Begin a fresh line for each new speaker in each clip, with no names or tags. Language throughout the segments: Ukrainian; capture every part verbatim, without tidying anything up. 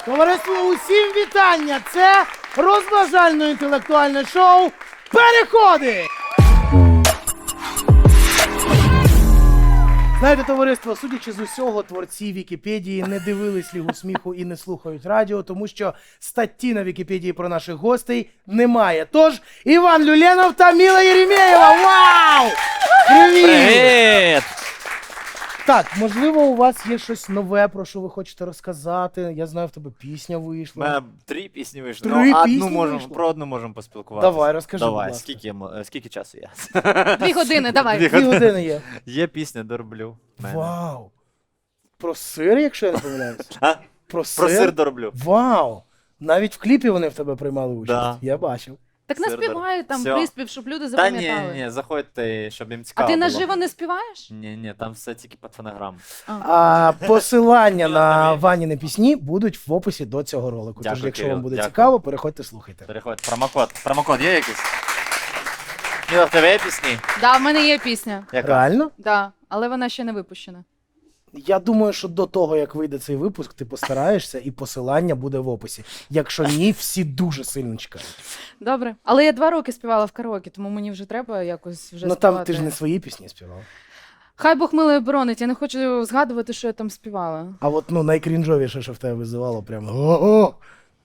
Товариство, усім вітання! Це розважально-інтелектуальне шоу «Переходи». Знаєте, товариство, судячи з усього, творці Вікіпедії не дивились Лігу сміху і не слухають радіо, тому що статті на Вікіпедії про наших гостей немає. Тож, Іван Люленов та Міла Єремєєва. Вау! Привіт!
Привіт!
Так, можливо, у вас є щось нове, про що ви хочете розказати. Я знаю, в тебе пісня
У
вийшла.
мене три пісні вийшли.
Три
ну,
пісні
одну можемо,
вийшло?
про одну можемо поспілкуватися.
Давай, розкажи,
Давай,
будь ласка.
скільки, мо- е, скільки часу є?
Дві години, давай.
Дві
Дві години є.
Є пісня «Дороблю». в мене.
Вау! Про сир, якщо я не помиляюсь?
А?
Про сир?
Про сир дороблю.
Вау! Навіть в кліпі вони в тебе приймали участь.
Да.
Я бачив.
Так
Сир
наспівай там
Всьо.
приспів, щоб люди
Та ні,
запам'ятали.
ні, заходьте, щоб їм
А
цікаво
ти
було.
наживо не співаєш?
Ні, ні, там все тільки під фонограму.
А посилання на
Тобі.
Ваніни пісні будуть в описі до цього ролику. Тож,
Дякую,
якщо
Кирил,
вам буде
дякую.
цікаво, переходьте, слухайте.
Переходь. Промокод. Промокод є якийсь? Міла, в тебе є пісні?
Да, в мене є пісня.
Яка?
Реально?
Да, але вона ще не випущена.
Я думаю, що до того, як вийде цей випуск, ти постараєшся і посилання буде в описі. Якщо ні, всі дуже сильно чекають.
Добре. Але я два роки співала в караоке, тому мені вже треба якось вже
Ну
співати.
там ти ж не свої пісні співав.
Хай Бог милує боронить, я не хочу згадувати, що я там співала.
А от ну найкрінжовіше, що в тебе визивало, прямо о-о!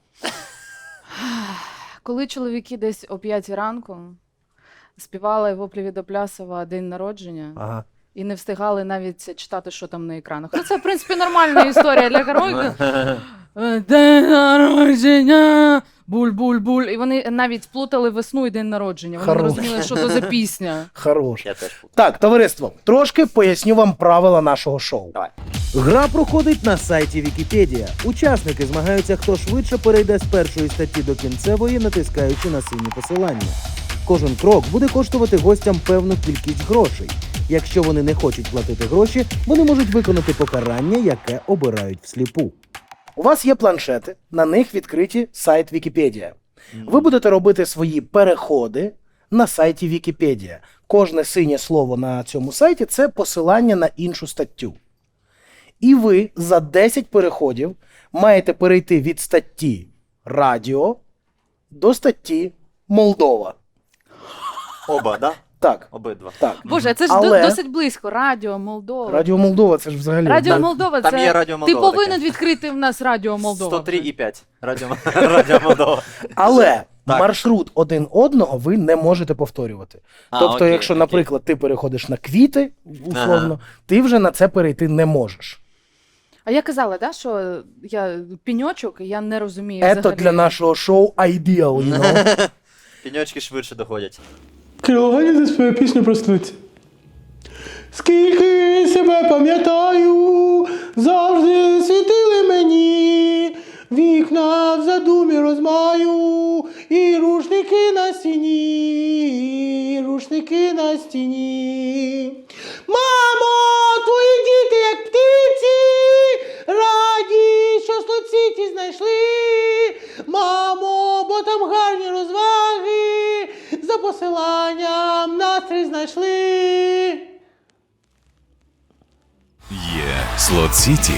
Коли чоловіки десь о п'ятій ранку співали воплі від Оплясова «День народження»,
Ага.
і не встигали навіть читати, що там на екранах. Ну, це, в принципі, нормальна історія для караоке. День народження, буль-буль-буль. І вони навіть плутали весну і день народження. Вони не
Хорош.
розуміли, що то за пісня.
Хорош.
Я теж.
Так, товариство, трошки поясню вам правила нашого шоу.
Давай.
Гра проходить на сайті Вікіпедія. Учасники змагаються, хто швидше перейде з першої статті до кінцевої, натискаючи на сині посилання. Кожен крок буде коштувати гостям певну кількість грошей. Якщо вони не хочуть платити гроші, вони можуть виконати покарання, яке обирають всліпу.
У вас є планшети, на них відкриті сайт Вікіпедія. Ви будете робити свої переходи на сайті Вікіпедія. Кожне синє слово на цьому сайті – це посилання на іншу статтю. І ви за десять переходів маєте перейти від статті «Радіо» до статті «Молдова».
Оба, да?
Так,
Обидва.
так.
Боже, це ж
Але-
до- досить близько. Радіо Молдова.
Радіо Молдова – це ж взагалі...
Радіо
Так.
Молдова,
Там
це...
є Радіо
Ти
Молдова
повинен
таке.
відкрити в нас Радіо Молдова.
сто три і п'ять. Радіо, Радіо Молдова.
Але
Так.
маршрут один одного ви не можете повторювати.
А,
тобто,
окей,
якщо,
окей.
наприклад, ти переходиш на квіти, условно,
Ага.
ти вже на це перейти не можеш.
А я казала, да, що я піньочок, і я не розумію
Це
взагалі.
для нашого шоу ideal, you know?
Піньочки швидше доходять.
Кирило за свою пісню про столиці. Скільки себе пам'ятаю, завжди світили мені, вікна в задумі розмаю, і рушники на стіні, і рушники на стіні. Мамо, твої діти, як птиці, раді, що слоціті знайшли. Мамо, бо там гарні розваги, за посиланням настрій знайшли.
Є Слот Сіті.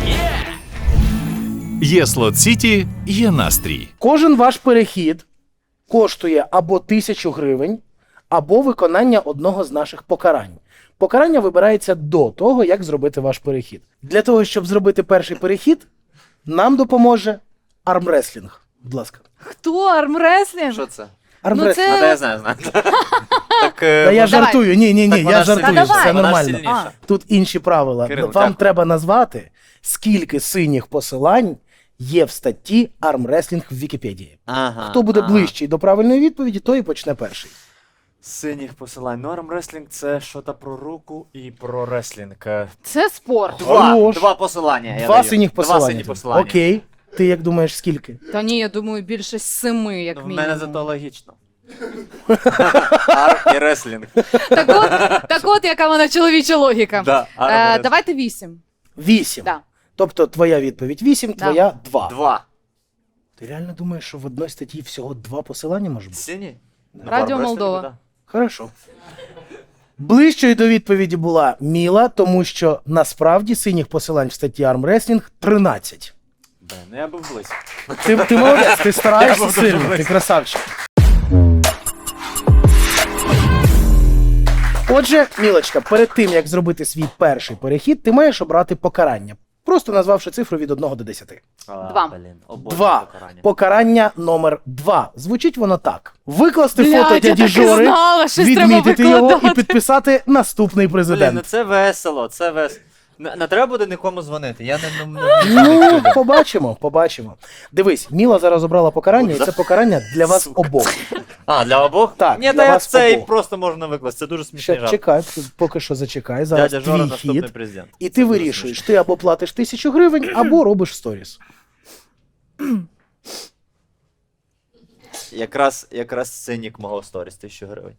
Є Слот Сіті, є настрій.
Кожен ваш перехід коштує або тисячу гривень, або виконання одного з наших покарань. Покарання вибирається до того, як зробити ваш перехід. Для того, щоб зробити перший перехід, нам допоможе армреслінг. Будь ласка.
Хто? Армреслінг?
Що це?
Армреслінг.
це-
А, та я знаю, знаю. Так, е,
Та я
може-
жартую, ні, ні, ні,
Так вона
я
ж
жартую,
сильніша.
все
Та
вона ж
нормально.
сильніша.
Тут інші правила.
Кирил,
Вам
дякую.
треба назвати, скільки синіх посилань є в статті армреслінг в Вікіпедії.
Ага,
Хто буде
ага.
ближчий до правильної відповіді, той і почне перший.
Синіх посилань. Ну, армреслінг це щось про руку і про реслінг. Е,
Це спорт.
Два,
Хорош.
два посилання. я
Два
даю.
синіх посилання.
Два сині посилання.
Окей. Ти як думаєш, скільки?
Та ні, я думаю, більше семи, як
Ну, в
мінімум.
мене зато логічно. Ар і реслінг.
Так от, так от, яка вона чоловіча логіка.
Да,
е,
армреслінг.
давайте вісім.
Вісім.
Да.
Тобто твоя відповідь вісім,
Да.
твоя два.
Два.
Ти реально думаєш, що в одній статті всього два посилання може бути?
Сині? Ну, в
Радіо
армреслінгу,
Молдова.
да.
Хорошо. Ближчою до відповіді була Міла, тому що насправді синіх посилань в статті армреслінг тринадцять.
Блин, ну я був близько.
Ти, ти молодець, ти стараєшся сильно, ти красавчик. Отже, Мілочка, перед тим, як зробити свій перший перехід, ти маєш обрати покарання. Просто назвавши цифру від одного до десяти.
А,
Два.
Блін, обожнюю
Два.
покарання.
Покарання номер два. Звучить воно так. Викласти
Блядь,
фото
я
дяді
так і
Жори,
знала, щось треба
відмітити його і
викладати.
підписати наступний
Блін, ну
президент.
це весело, це весело. Не, не треба буде нікому дзвонити, я не... не, не...
Ну, побачимо, побачимо. Дивись, Міла зараз обрала покарання, і це покарання для вас
Сука.
обох.
А, для обох?
Так,
Ні,
для
та я
вас
це і
обох.
просто можна викласти, це дуже смішний
Ще
жарт.
чекай, поки що зачекай. Зараз
Дядя Жора
твій
наступний
хід.
президент.
І
Це
ти
дуже
вирішуєш,
смішно.
ти або платиш тисячу гривень, або робиш сторіс.
Якраз, якраз цинік мого сторіс, тисячу гривень.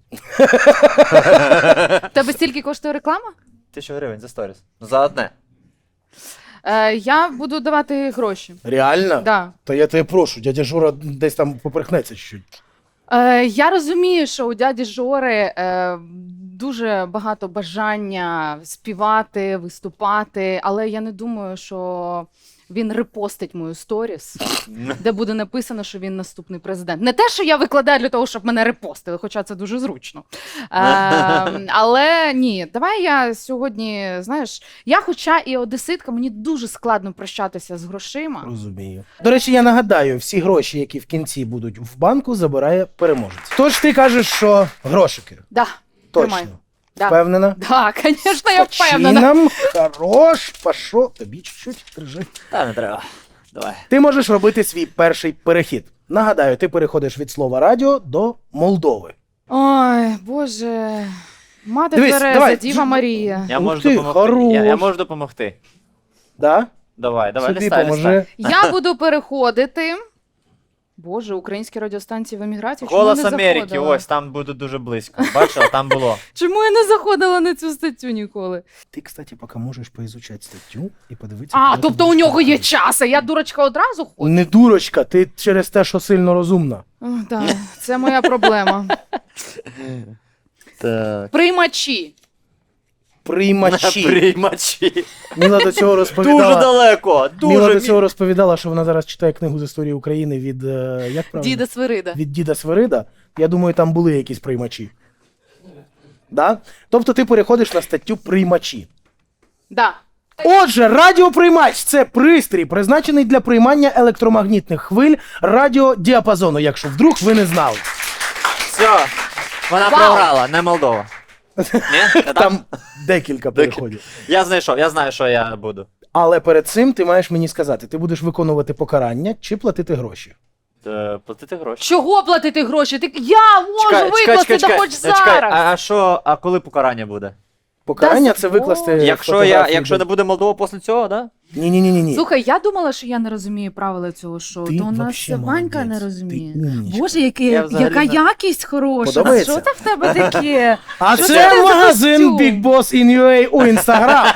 В тебе стільки коштує реклама?
Тисячу гривень за сторіс. Ну, за одне.
Е, я буду давати гроші.
Реально?
Да.
То я тебе прошу, дядя Жора десь там поперхнеться чуть-чуть.
Е, я розумію, що у дяді Жори е, дуже багато бажання співати, виступати, але я не думаю, що він репостить мою сторіс, де буде написано, що він наступний президент. Не те, що я викладаю для того, щоб мене репостили, хоча це дуже зручно. Е, але ні, давай я сьогодні, знаєш, я хоча і одеситка, мені дуже складно прощатися з грошима.
Розумію. До речі, я нагадаю, всі гроші, які в кінці будуть в банку, забирає переможець. Тож ти кажеш, що грошики.
Да,
Точно.
тримай. Да.
Впевнена?
Да, звісно, я впевнена.
Чином, хорош, пашо, тобі чуть-чуть держи.
Та не треба. Давай.
Ти можеш робити свій перший перехід. Нагадаю, ти переходиш від слова радіо до Молдови.
Ой, Боже. Мати
Дивись,
Тереза,
давай.
Діва Марія.
Я
Ух
можу
ти,
допомогти.
хорош.
Я, я можу допомогти.
Да?
Давай, давай,
Собі
листай,
поможи.
листай.
Я буду переходити. Боже, українські радіостанції в еміграції. Чому я
Голос
не
Америки,
заходила?
ось, там буде дуже близько. Бачила, там було.
Чому я не заходила на цю статтю ніколи?
Ти, кстати, поки можеш поізучати статтю і подивитися.
А,
коли ти
тобто у
будеш
нього є
переходити.
час, а я дурочка одразу ходжу?
Не дурочка, ти через те, що сильно розумна.
О, так, це моя проблема.
Так.
Приймачі.
Приймачі.
Приймачі.
Міла до цього
Дуже
розповідала.
далеко,
Міла
дуже.
до цього розповідала, що вона зараз читає книгу з історії України від е, як правильно?
Діда Свирида.
Від діда Свирида. Я думаю, там були якісь приймачі. Да? Тобто ти переходиш на статтю приймачі.
Да.
Отже, радіоприймач це пристрій, призначений для приймання електромагнітних хвиль радіодіапазону, якщо вдруг ви не знали.
Все, вона
Вау.
програла, не Молдова. Ні? Не так?
Там декілька переходів.
Я знайшов, я знаю, що я буду.
Але перед цим ти маєш мені сказати, ти будеш виконувати покарання чи платити гроші.
Е, Платити гроші.
Чого платити гроші? Ти... Я можу викласти, да хоч
Е, чекай,
зараз.
а, а що, а коли покарання буде?
Покарання
Та
це
з-
викласти.
Якщо, я,
фотографії
якщо
до-
не буде Молдова після цього, да?
Ні, ні, ні, ні, ні.
Слухай, я думала, що я не розумію правила цього шоу.
Ти
То у нас
вообще
Ванька
молодець.
не розуміє.
Ти умнічка.
Боже, яке,
Я взагалі
яка
не-
якість хороша.
Подобається?
Що це в тебе таке?
А
Що
це
це за
магазин
костюм?
Big Boss in ю ей у Інстаграм.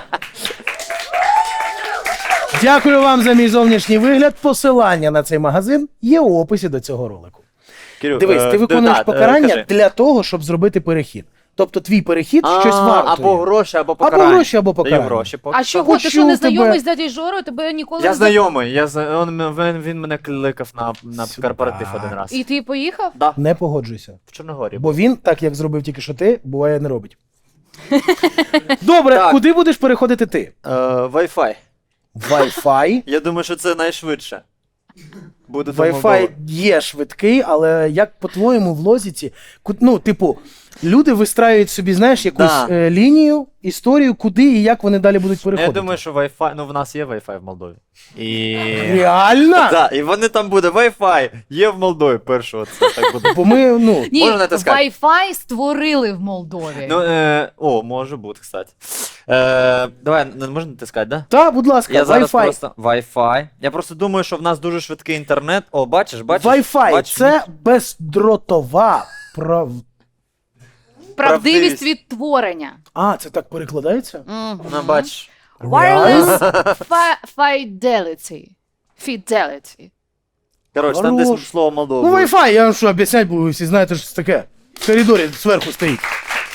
Дякую вам за мій зовнішній вигляд. Посилання на цей магазин є у описі до цього ролику.
Кирю,
Дивись,
е,
ти виконуєш
да, е,
покарання
кажи.
для того, щоб зробити перехід. Тобто твій перехід щось
А,
вартує.
Або гроші, або покарання.
Або гроші, або
Даю
покарання.
гроші. поки
А
що.
чого? Ти що,
Почув
не знайомий
тебе.
з дядей Жорою? Тебе ніколи
Я
не
знайомий, я, зна- он, він, він мене кликав на, на
Сюда.
корпоратив один раз.
І ти поїхав?
Да,
Не погоджуйся.
в Чорногорі.
Бо він, так як зробив тільки що ти, буває не робить. Добре,
Так.
куди будеш переходити ти?
Е, Wi-Fi.
Wi-Fi.
Я думаю, що це найшвидше. Буде до
Wi-Fi
Молдови.
є швидкий, але як по-твоєму в лозіці, ку- ну, типу, люди вистраюють собі, знаєш, якусь
Да.
е, лінію, історію, куди і як вони далі будуть
Ну,
переходити.
Я думаю, що Wi-Fi, ну в нас є Wi-Fi в Молдові. І...
Реально?
Так, і вони там буде Wi-Fi, є в Молдові першого, це так буде.
Бо ми, ну,
Ні,
Можна натискати?
Wi-Fi створили в Молдові.
Ну, е, о, може бути, кстати. Е, давай, не можна натискати, да?
та, будь ласка,
Я зараз
Wi-Fi.
просто Wi-Fi. Я просто думаю, що в нас дуже швидкий інтернет. О, бачиш, бачиш?
Wi-Fi
бачиш?
це бездротова прав...
Правдивість
правдивість.
відтворення.
А, це так перекладається?
Мгм.
Ну, бачиш.
Wireless fi- fidelity. Fidelity.
Коротше, там
Хорош.
десь слово Молдова.
Ну,
буде.
Wi-Fi, я вам що, об'яснять буду, ви всі знаєте, що це таке. В коридорі зверху стоїть.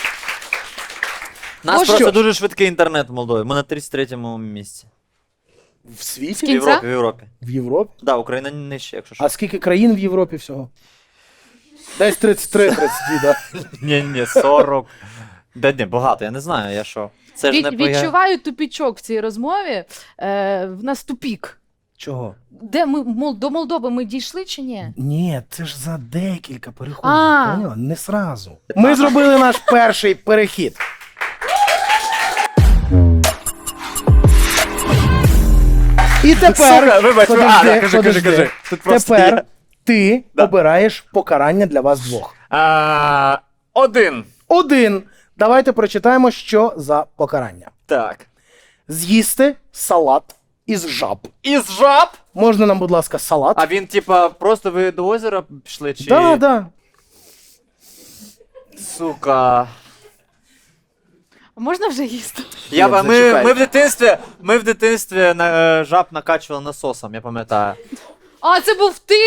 У нас
Ну,
просто
що ж.
дуже швидкий інтернет в Молдові. Ми на тридцять третьому місці.
В
З
світі?
В
кінця?
Європі, в Європі.
В Європі?
Да, Україна нижче, якщо що.
А скільки країн в Європі всього? Десь тридцять три тридцять два, да.
Ні, ні, сорок. Да ні, багато, я не знаю, я що. Це ж
Від,
не ПГ.
відчуваю тупічок в цій розмові. Е, в нас тупік.
Чого?
Де ми Мол- до Молдови ми дійшли чи ні?
Ні, це ж за декілька переходів.
А.
Поняла? Не сразу. Ми зробили наш перший перехід. І тепер,
Сука, вибач,
подожди,
а, да, кажи, кажи,
подожди.
кажи. Тут просто
Тепер
є.
ти
Да.
обираєш покарання для вас двох.
А, один.
Один. Давайте прочитаємо, що за покарання.
Так.
З'їсти салат із жаб.
Із жаб?
Можна нам, будь ласка, салат?
А він, типа, просто ви до озера пішли, чи...
Да, да.
Сука.
А можна вже їсти?
Я,
Ні,
ба- ми,
зачекай.
ми в дитинстві, ми в дитинстві на, е, жаб накачували насосом, я пам'ятаю.
А, це був ти?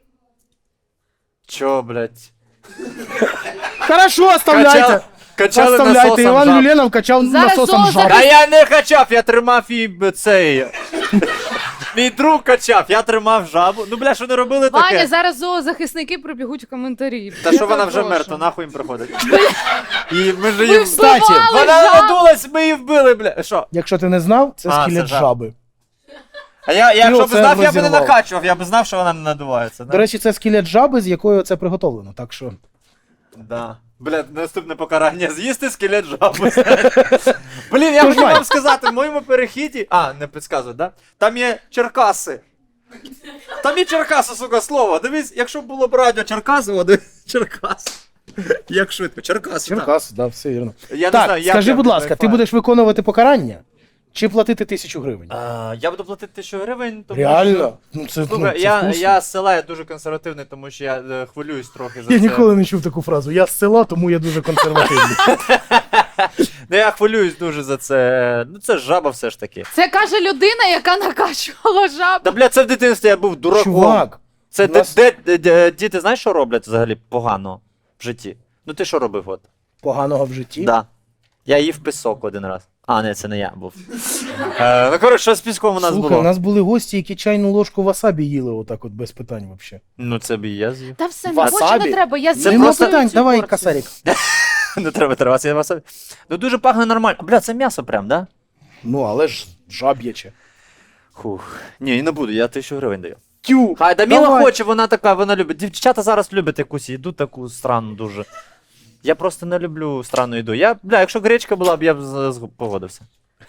Чо, блядь?
Хорошо, оставляйте.
Качали, качали
Оставляйте.
насосом
Іван
жаб.
Люленов качав
Зараз
насосом
зоозахист-
жаб.
А я не качав, я тримав і б- цей. Мій друг качав, я тримав жабу. Ну, бля, що не робили
Ваня,
таке?
зараз зоозахисники прибігуть в коментарі.
Та
Я
що вона
так
вже
прошу.
мертва, нахуй їм приходить. І ми ж
Ви
її...
Кстати,
вбивали
Вона
жаб!
надулась, ми її вбили, бля. Що?
Якщо ти не знав, це
А,
скелет
це жаб.
жаби.
А я, я якщо б
оце
знав, я б не
розірвав.
накачував, я б знав, що вона не надувається. Да?
До речі, це скелет жаби, з якою це приготовлено. Так що.
Да. Бля, наступне покарання з'їсти скелет жаби. Блін, я
Тож,
хотів
Вань.
вам сказати, в моєму перехіді. А, не підказують, да? Там є Черкаси. Там є Черкаси, сука, слово. Дивись, якщо б було б радіо Черкаси, о, дивись, Черкас. Як швидко, Черкаси. так.
Черкас, да, все вірно.
Я не
Так,
знаю, як
скажи,
я
будь
буду
ласка, ти
кайфувати.
будеш виконувати покарання чи платити тисячу гривень?
А, я буду платити тисячу гривень, тому
Реально? Ну це, ну,
Слухай,
це
я,
вкусно.
я з села, я дуже консервативний, тому що я е, хвилююсь трохи за
Я
це.
ніколи не чув таку фразу. Я з села, тому я дуже консервативний.
Ну я хвилююсь дуже за це. Ну це ж жаба все ж таки.
Це каже людина, яка накачувала жаб.
Та бля, це в дитинстві я був дураком.
Чувак,
Це
у
де,
нас-
де, де, де- діти знаєш, що роблять взагалі погано в житті? Ну ти що робив от?
поганого в житті.
Да. Я їв пісок один раз. А, не, це не я був. Е, ну коротше, що з піском у нас
Слухай,
було?
у нас були гості, які чайну ложку васабі їли отак от без питань взагалі.
Ну це б і я з'їв.
Та все, не
Васабі?
хоче, не треба. Я
Це
з'їм
Нема
просто-
цю
питань, давай,
порцію.
касарік.
Не треба тривати, я вас. Ну дуже пахне нормально. Бля, це м'ясо прям, да?
Ну, але ж жаб'яче.
Хух. Ні, не буду, я тисячу гривень даю.
Тю,
Хай Даміла
давай.
хоче, вона така, вона любить. Дівчата зараз люблять якусь їду таку странну дуже. Я просто не люблю странну їду. Я, бля, якщо гречка була б, я б з- з- погодився.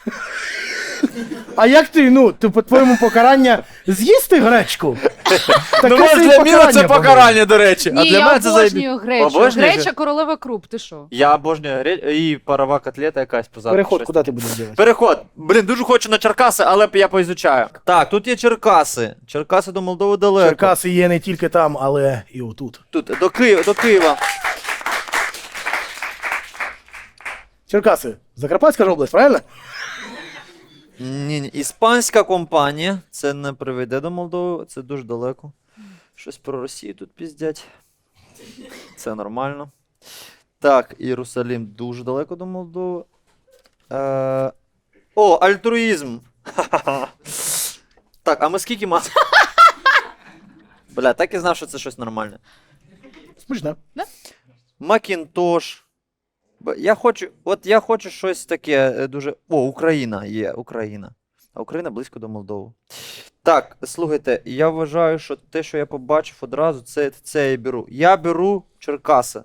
А як ти, ну, ти по-твоєму покарання з'їсти гречку? Таке
Ну, може,
собі
для Міла це
по-моєму.
покарання, до речі. а
Ні,
для
я
мене це заєбі-
обожнюю гречу.
Обожнюєш?
Греча королева круп, ти що?
Я обожнюю греч... і парова котлета якась позаду.
Переход,
щось.
куди ти будеш робити?
Переход. Блін, дуже хочу на Черкаси, але я поізучаю. Так, тут є Черкаси. Черкаси до Молдови далеко.
Черкаси є не тільки там, але і отут.
Тут, до Києва, до Києва.
Черкаси, Закарпатська ж область, правильно?
Ні, ні. Іспанська компанія. Це не приведе до Молдови, це дуже далеко. Щось про Росію тут піздять. Це нормально. Так, Єрусалим дуже далеко до Молдови. Е... О, альтруїзм. Ха-ха-ха. Так, а ми скільки маємо? Бля, так і знав, що це щось нормальне.
Смішно.
Макінтош. Б- Я хочу, от я хочу щось таке е, дуже. О, Україна є, Україна. А Україна близько до Молдови. Так, слухайте, я вважаю, що те, що я побачив одразу, це, це я беру. Я беру Черкаси.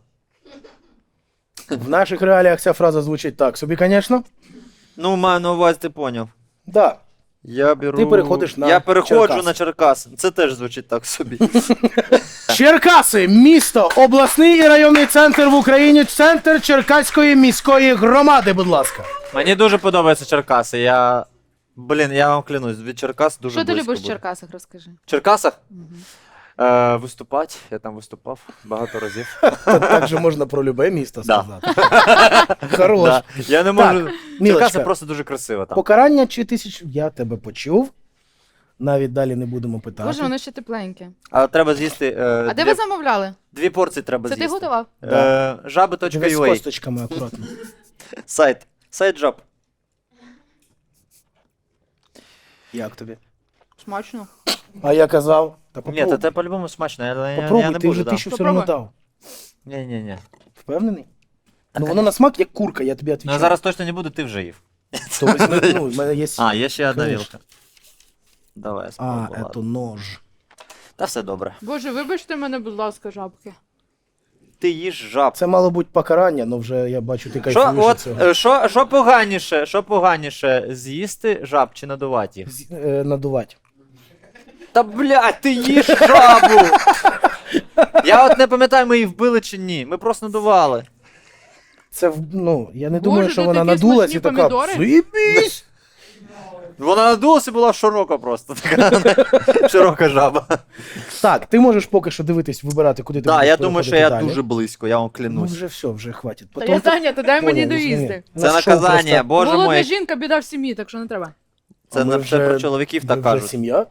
В наших реаліях ця фраза звучить так. Собі, звісно.
Ну, маю на увазі, ти поняв.
Да.
Я беру.
Ти переходиш на
Я переходжу
Черкаси.
на Черкаси. Це теж звучить так собі.
Черкаси, місто, обласний і районний центр в Україні, центр Черкаської міської громади, будь ласка.
Мені дуже подобаються Черкаси. Я. Блін, я вам клянусь, від Черкас дуже
Що ти
близько
любиш в
буде.
Черкасах, розкажи.
В Черкасах?
Мгм.
Е, виступати. Я там виступав багато разів.
Так же можна про любе місто
Да.
сказати. Хорош.
Да. Я не можу.
Так,
Черкаси
Мілочка,
просто дуже красиво там.
покарання чи тисяч... Я тебе почув. Навіть далі не будемо питати.
Боже, воно ще тепленьке.
Але треба з'їсти. Е,
А де
дві,
ви замовляли?
дві порції треба
Це ти
з'їсти.
готував?
Е,
Дивись з
жаби.ua.
косточками акуратно.
Сайт. Сайт жаб.
Як тобі?
Смачно.
А я казав, та
Ні,
попробуй.
та це по-любому смачно, я, я,
Попробуй,
я не
ти
буду,
вже
да.
тисячу все одно
Попробуй.
дав.
Ні-ні-ні.
Впевнений? Ну воно на смак як курка, я тобі
Ну
відповідаю.
я зараз точно не буду, ти вже їв.
То візьми, ну, в мене є...
А, є ще одна
Конечно.
вілка. Давай,
А,
спробую.
це
ладно.
нож.
Та все добре.
Боже, вибачте мене, будь ласка, жабки.
Ти їж жаб.
Це мало бути покарання, але вже я бачу, ти
Що,
кайфуєш від
от,
цього.
е, що, що поганіше, що поганіше, з'їсти жаб чи надувати їх?
З- е, надувати.
Та блядь, ти їш жабу! Я от не пам'ятаю, ми її вбили чи ні. Ми просто надували.
Це, в- ну, я не
Боже,
думаю, що
тут
вона
такі
надулась
смачні
і така,
помідори.
«Заєбісь!»
Вона надулася і була широка просто. Така широка жаба.
Так, ти можеш поки що дивитись, вибирати, куди ти
Так,
будеш
я думаю, що
переходити
я
далі.
дуже близько, я вам
Ну
клянусь.
вже все, вже хватить.
Та
Потім
я
ти-
Таня, то дай мені
Поняв,
доїсти.
розумію.
Це
Наш шоу
наказання,
просто-
боже
Голодна
мой.
жінка, біда в сім'ї, так що не треба.
А
Це
ми
не все
вже-
про чоловіків
ви
так
вже
кажуть.
сім'я?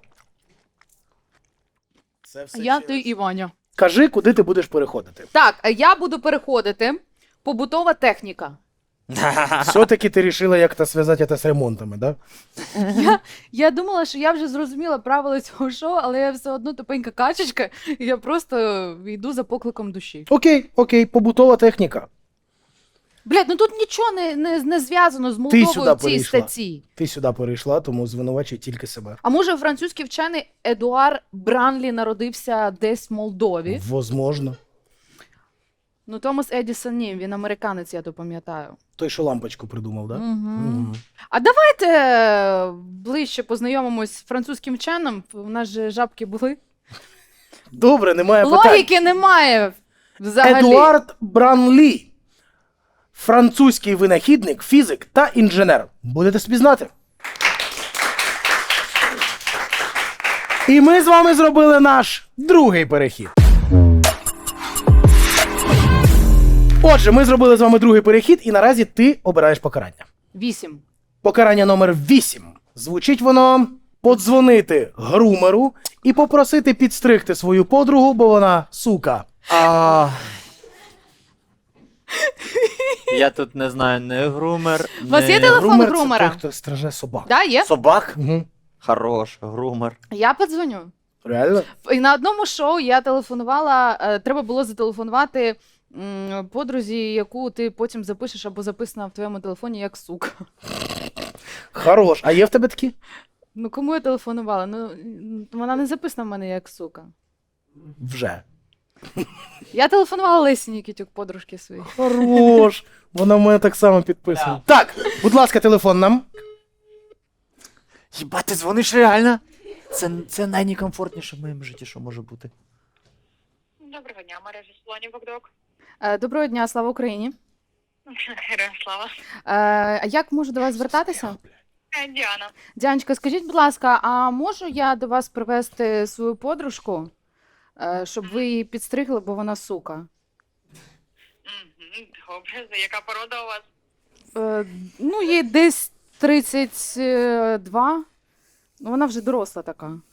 Це все
Я,
через-
ти і Ваня.
Кажи, куди ти будеш переходити.
Так, а я буду переходити. Побутова техніка.
Все-таки ти вирішила як-то зв'язати це з ремонтами, да?
Я, я думала, що я вже зрозуміла правила цього шоу, але я все одно тупенька качечка, і я просто йду за покликом душі.
Окей, окей, побутова техніка.
Блядь, ну тут нічого не, не, не зв'язано з
сюди
Молдовою в цій
перейшла.
статті.
Ти сюди перейшла, тому звинувачуй тільки себе.
А може французький вчений Едуар Бранлі народився десь в Молдові?
Возможно.
Ну, Томас Едісон ні, він американець, я то пам'ятаю.
Той, що лампочку придумав, да?
Угу.
Мгм.
А давайте е, ближче познайомимось з французьким вченим. У нас же жабки були.
Добре, немає питань.
Логіки немає взагалі.
Едуард Бранлі. Французький винахідник, фізик та інженер. Будете собі знати. І ми з вами зробили наш другий перехід. Отже, ми зробили з вами другий перехід, і наразі ти обираєш покарання.
Вісім.
Покарання номер вісім. Звучить воно подзвонити грумеру і попросити підстригти свою подругу, бо вона сука.
А... Я тут не знаю, не грумер,
У вас є
не...
телефон?
Грумер це
грумера.
той, хто стриже собак.
Да, є?
Собак?
Угу.
Хорош, грумер.
Я подзвоню.
Реально?
І на одному шоу я телефонувала, е, треба було зателефонувати м, подрузі, яку ти потім запишеш або записана в твоєму телефоні як сука.
Хорош. А є в тебе такі?
Ну кому я телефонувала? Ну м, вона не записана в мене як сука.
Вже.
Я телефонувала Лесі Нікітюк, подружки своїй.
Хорош. Вона в мене так само підписана. Так, будь ласка, телефон нам.
Хіба ти дзвониш реально? Це, це найнекомфортніше в моєму житті, що може бути.
Доброго дня, мережа салонів Богдок.
Е, Доброго дня, слава Україні.
Героям слава.
Е, А як можу до вас звертатися?
Е, Діана.
Дянечка, скажіть, будь ласка, а можу я до вас привезти свою подружку, е, щоб ви її підстригли, бо вона сука?
Мгм, добре, за яка порода у вас?
Е, Ну, їй десь тридцять два. Ну, вона вже доросла така.
Угу.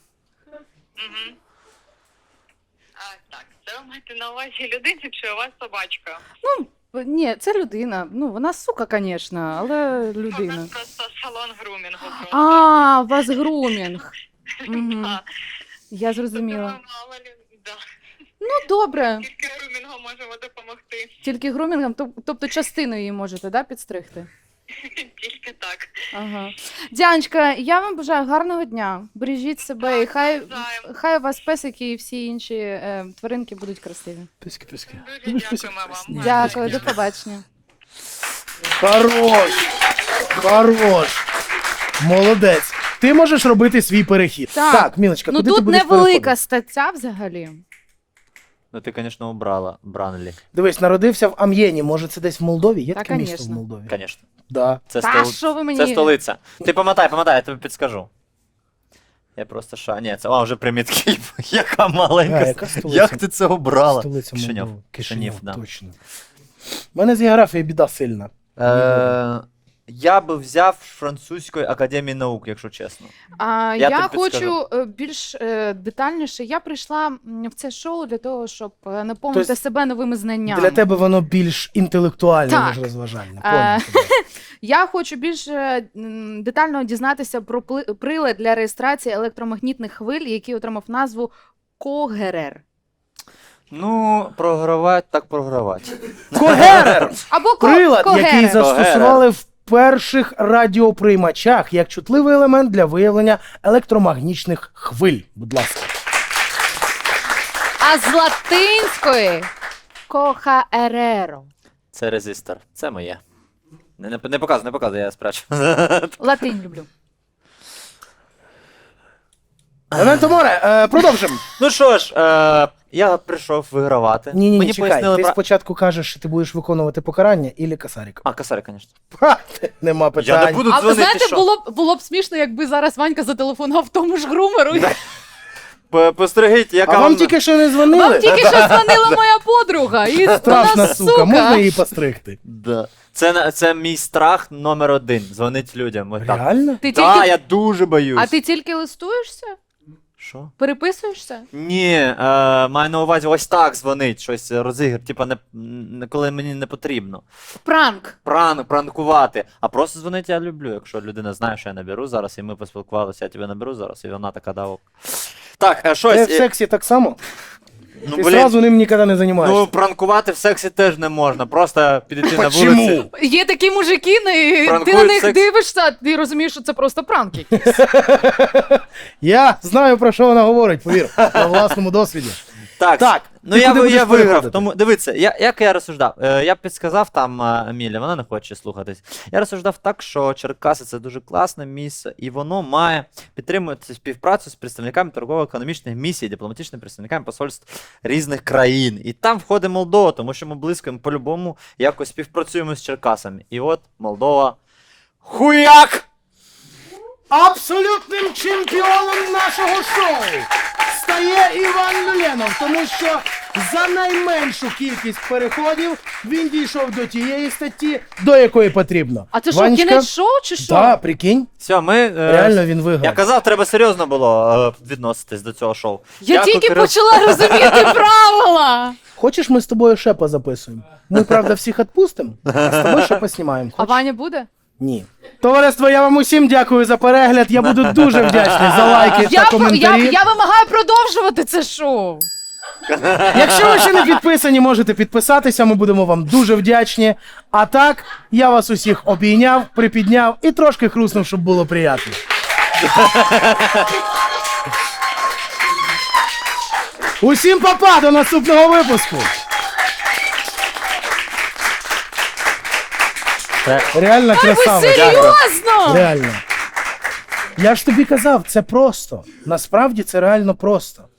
А, так, це ви маєте на увазі людину, чи у вас собачка?
Е, Ні, це людина. Ну, вона сука, звісно, але
У
людина.
нас просто салон грумінгу. просто.
А, у вас грумінг. Мгм.
Да.
Я
Тобто
зрозуміла.
ми мало лю- да.
Ну, добре.
Тільки грумінгом можемо допомогти.
Тільки грумінгом, тоб- тобто частину її можете, да, підстригти?
Тільки так.
Ага. Дянечка, я вам бажаю гарного дня. Бережіть себе і хай,
Навзаєм.
хай у вас песики і всі інші е, тваринки будуть красиві.
Писки, писки.
Дуже дякуємо вам.
Дякую, до побачення.
Хорош. Хорош. Молодець. Ти можеш робити свій перехід.
Так.
Так, Мілочка,
Ну
куди ти
тут
будеш
невелика
переходити?
стаття взагалі.
Ну ти, звісно, обрала Бранлі.
Дивись, народився в Амьєні. Може, це десь в Молдові? Є
Та,
таке місто в
конечно.
Молдові?
Звісно.
Да.
Це,
Та
стол...
що ви мені?
це столиця. Ти помотай, помотай, я тобі підскажу. Я просто ша. Ні, це а, вже примітки. Яка маленька.
А, яка столиця?
Як ти це обрала?
Столиця
Кишиньов.
Молдови.
Кишинів,
Кишинів,
да.
точно. У мене з географією біда сильна.
Е... Я би взяв французької академії наук, якщо чесно.
А,
Я
я
тобі підскажу.
хочу е, більш е, детальніше. Я прийшла м, в це шоу для того, щоб е, наповнити
Тобто
себе новими знаннями.
Для тебе воно більш інтелектуальне,
Так.
ніж розважальне.
Е,
Понял тебе.
Я хочу більш е, м, детально дізнатися про пли- прилад для реєстрації електромагнітних хвиль, який отримав назву Когерер.
Ну, програвати так програвати.
Когерер!
Або ко-
Прилад, який
Когерер.
застосували в перших радіоприймачах як чутливий елемент для виявлення електромагнічних хвиль. Будь ласка.
А з латинської Кохаереро.
Це резистор. Це моє. Не, не, не показуй, не показуй, я спрячу.
Латинь люблю.
Ементо море, е, продовжимо.
Ну що ж, е, я прийшов вигравати.
Ні, ні, ні,
Мені
чекай.
пояснили
Ти
про...
спочатку кажеш, що ти будеш виконувати покарання ілі касарика.
А, косарь, звісно.
Ха, нема питань.
Я не буду
А ви
дзвонити,
знаєте,
що?
було б було б смішно, якби зараз Ванька зателефонував тому ж грумеру. і-
По- Постерегіть, яка
А вам тільки що не
Вам
дзвонили?
тільки що дзвонила моя подруга. І
Страшна
вона
сука, можна її постригти?
Да. Це, на- це мій страх номер один. Дзвонить людям. Ось так.
Реально?
Ти
Так,
тільки...
я дуже боюсь.
А ти тільки листуєшся?
Що?
Переписуєшся?
Ні, е, маю на увазі ось так дзвонить, щось розігр, типа не, не коли мені не потрібно.
Пранк.
Пранк, пранкувати. А просто дзвонити я люблю, якщо людина знає, що я наберу зараз, і ми поспілкувалися, я тебе наберу зараз, і вона така дав. Так, е, щось.
Ти в
е,
сексі так само?
ну,
Ти
блін,
зразу ним ніколи не займаєшся.
ну, пранкувати в сексі теж не можна, просто підійти на
Почему?
вулиці.
Є такі мужики, не... ти
Пранкують
на них
секс.
дивишся, а ти розумієш, що це просто пранк якийсь.
Я знаю, про що вона говорить, повір, на власному досвіді.
Так,
Так,
ну
ти
я,
куди
ви- я
будеш
виграв,
переходити?
тому дивіться, я, як я розсуждав, е, я підсказав там е, Емілі, вона не хоче слухатись. Я розсуждав так, що Черкаси це дуже класне місце, і воно має підтримувати співпрацю з представниками торгово-економічних місій, дипломатичними представниками посольств різних країн. І там входить Молдова, тому що ми близько ми по-любому якось співпрацюємо з Черкасами. І от Молдова. Хуяк!
Абсолютним чемпіоном нашого шоу стає Іван Люленов, тому що за найменшу кількість переходів він дійшов до тієї статті, до якої потрібно.
А це що,
Ванечка?
кінець шоу чи що?
Так, прикинь,
Все, ми. е,
реально він виграв.
Я казав, треба серйозно було е, відноситись до цього шоу.
Я
Дякую,
тільки
Кирил.
почала розуміти правила.
Хочеш, ми з тобою ще позаписуємо? Ми, правда, всіх відпустимо, а з тобою ще поснімаємо.
А
Хочеш?
Ваня буде?
Ні. Товариство, я вам усім дякую за перегляд. Я буду дуже вдячний за лайки
Я,
та
про- я,
коментарі.
я вимагаю продовжувати це шоу.
Якщо ви ще не підписані, можете підписатися, ми будемо вам дуже вдячні. А так, я вас усіх обійняв, припідняв і трошки хруснув, щоб було приємно. Усім па-па, до наступного випуску. Реально
Ви
красава.
серйозно?
Реально. Я ж тобі казав, це просто. Насправді це реально просто.